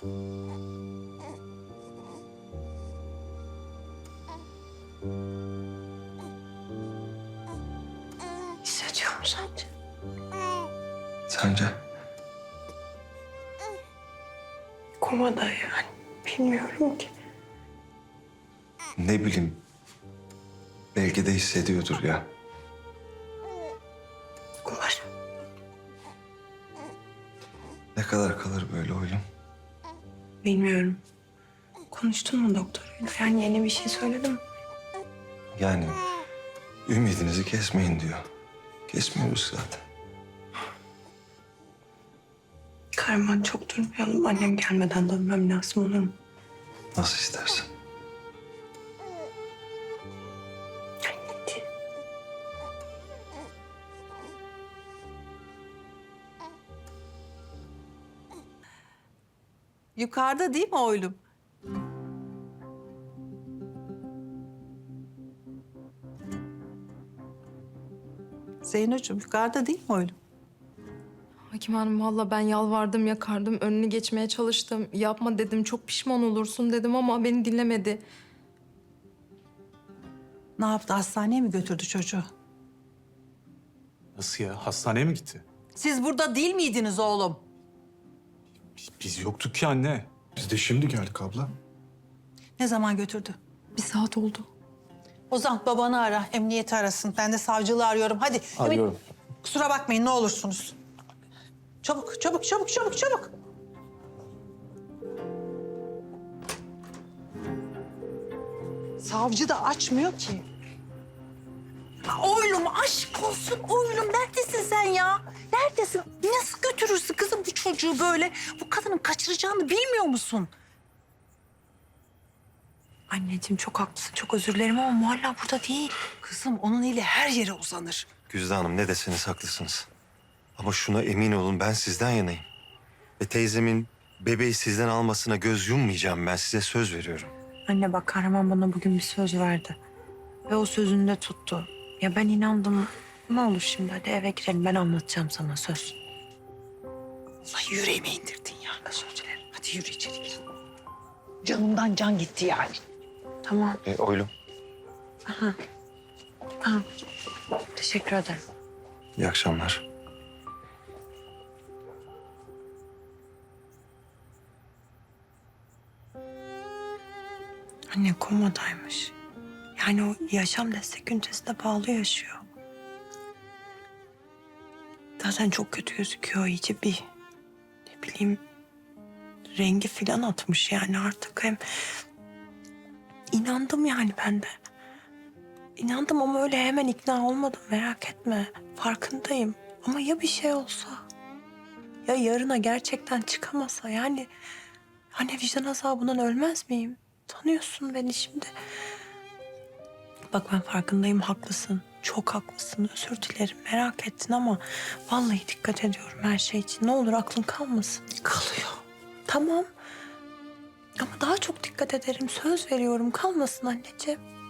Hissediyor musun sence? Sence? Komada yani. Bilmiyorum ki. Ne bileyim. Belki de hissediyordur ya. Umarım. Ne kadar kalır böyle oylum? Bilmiyorum. Konuştun mu doktoruyla? Yani yeni bir şey söyledim mi? Yani ümidinizi kesmeyin diyor. Kesmiyoruz zaten. Kahraman çok durmayalım. Annem gelmeden dönmem lazım, olur mu? Nasıl istersen. Anneciğim. Yukarıda değil mi oğlum? Zeynocuğum yukarıda değil mi oğlum? Hakim Hanım valla ben yalvardım yakardım önünü geçmeye çalıştım. Yapma dedim çok pişman olursun dedim ama beni dinlemedi. Ne yaptı? Hastaneye mi götürdü çocuğu? Nasıl ya? Hastaneye mi gitti? Siz burada değil miydiniz oğlum? Biz yoktuk ki anne. Biz de şimdi geldik abla. Ne zaman götürdü? Bir saat oldu. Ozan babanı ara, emniyeti arasın. Ben de savcılığı arıyorum. Hadi. Arıyorum. Kusura bakmayın ne olursunuz. Çabuk, çabuk, çabuk, çabuk, çabuk. Savcı da açmıyor ki. Oğlum aşk olsun oğlum neredesin sen ya? Neredesin? Nasıl götürürsün kızım bu çocuğu böyle? Bu kadının kaçıracağını bilmiyor musun? Anneciğim çok haklısın. Çok özür dilerim ama Muhalla burada değil. Kızım onun eli her yere uzanır. Güzde Hanım ne deseniz haklısınız. Ama şuna emin olun ben sizden yanayım. Ve teyzemin bebeği sizden almasına göz yummayacağım ben size söz veriyorum. Anne bak Kahraman bana bugün bir söz verdi. Ve o sözünü de tuttu. Ya ben inandım. Ne olur şimdi hadi eve girelim. Ben anlatacağım sana söz. Allah yüreğime indirdin ya. Özür dilerim. Hadi yürü içeri gir. Canımdan can gitti yani. Tamam. Oylum. Teşekkür ederim. İyi akşamlar. Anne komadaymış. Yani o yaşam destek ünitesinde bağlı yaşıyor. Zaten çok kötü gözüküyor. İyice bir ne bileyim rengi filan atmış yani artık hem inandım yani ben de. İnandım ama öyle hemen ikna olmadım merak etme. Farkındayım ama ya bir şey olsa? Ya yarına gerçekten çıkamasa yani hani vicdan azabından ölmez miyim? Tanıyorsun beni şimdi. Bak ben farkındayım haklısın. Çok haklısın özür dilerim merak ettin ama vallahi dikkat ediyorum her şey için. Ne olur aklın kalmasın. Kalıyor. Tamam ama daha çok dikkat ederim söz veriyorum kalmasın anneciğim.